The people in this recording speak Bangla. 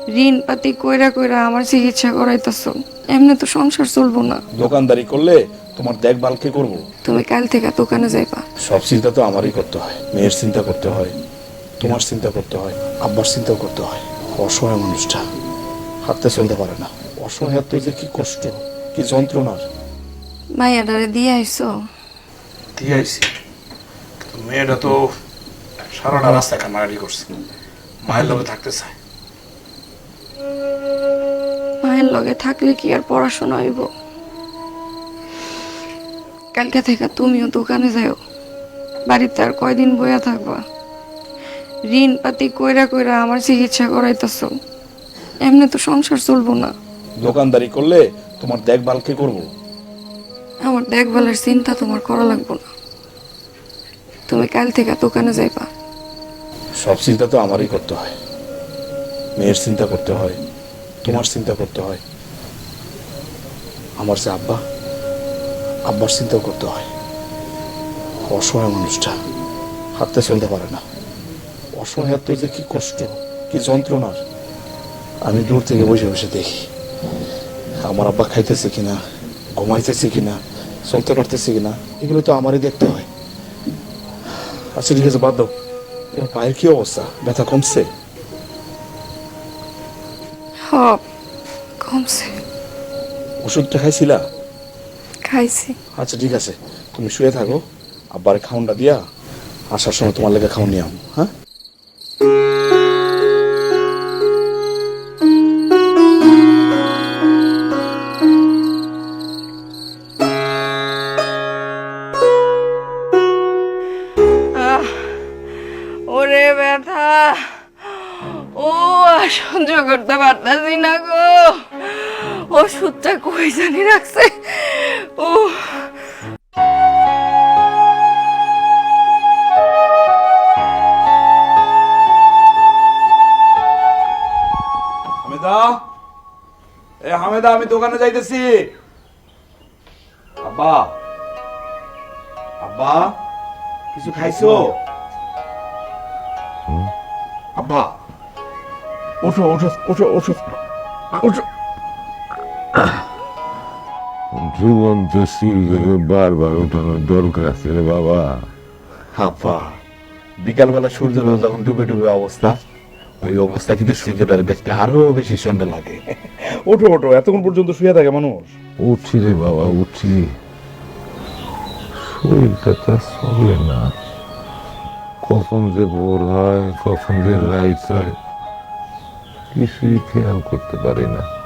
ঋণ পাতি কইরা কইরা আমার চিকিৎসা করাইতেছো, এমনি তো সংসার চলবো না। দোকানদারি করলে তোমার দেখভাল কে করবো? তুমি কাল থেকে দোকানে যাইবা। সব চিন্তা তো আমারই করতে হয়। মেয়ের চিন্তা করতে হয়, তোমার চিন্তা করতে হয়, আব্বার চিন্তা করতে হয়। অসহায় মানুষটা হাঁটতে চলতে পারে না। অসহায়ত্ব যে কি কষ্ট, কি যন্ত্রণার। মাইয়াডারে দিয়ে আইসো? দিয়ে আইসি, মেয়েটা তো সারাটা রাস্তায় কান্নাকাটি করছে, মায়ের লগে থাকতে চায়। মায়ের লগে থাকলে কি আর পড়াশোনা হইব? কালকে থেকে তুমিও দোকানে যাও। বাড়িতে আর কয়দিন বইয়া থাকবা? ঋণ পাতি কইরা কইরা আমার চিকিৎসা করাইতেছো, এমনি তো সংসার চলবো না। দোকানদারি করলে তোমার দেখভাল কে করবো? আমার দেখভালের চিন্তা তোমার করা লাগবো না। তুমি কাল থেকে দোকানে যাইবা। সব চিন্তা তো আমারই করতে হয়। মেয়ের চিন্তা করতে হয়, তোমার চিন্তা করতে হয়, আমার যে আব্বা, আব্বার চিন্তাও করতে হয়। অসহায় মানুষটা হাঁটতে চলতে পারে না। অসহায়ত্ব যে কি কষ্ট, কি যন্ত্রণার। আমি দূর থেকে বসে বসে দেখি আমার আব্বা খাইতেছে কিনা, ঘুমাইতেছে কিনা, চলতে পারতেছে কিনা, এগুলো তো আমারই দেখতে হয়। আচ্ছা ঠিক আছে, বাদ দাও। তোমার পায়ের কি অবস্থা? ব্যথা কমছে? হ, কমছে। ওষুধটা খাইছিলা? খাইছি। আচ্ছা ঠিক আছে, তুমি শুয়ে থাকো, আব্বারে খাউনটা দিয়া আসার সময় তোমার লেগে খাউন নিয়ে আম। হ্যাঁ, ওরে ব্যথা, ও আর সহ্য করতে পারতাছি না গো। ওষুধটা কই জানি রাখছে। ও হামেদা, এ হামেদা, আমি দোকানে যাইতেছি। আব্বা, আব্বা, কিছু খাইছো? আব্বা, ওঠো ওঠো ওঠো ওঠো ওঠো। জীবন্ত সিলভারে বারবার ওঠানোর দরকার আছে রে বাবা। আব্বা, বিকালবেলা সূর্য যখন ডুবে ডুবে অবস্থা, ওই অবস্থা কিন্তু সূর্যটার দেখতে আরো বেশি সুন্দর লাগে। ওঠো ওঠো, এতক্ষণ পর্যন্ত শুয়ে থাকে মানুষ? উঠছি রে বাবা, উঠছি। শরীরটা তা চলে না, কখন যে ভোর হয়, কখন যে রাইত হয়, কিছুই খেয়াল করতে পারি না।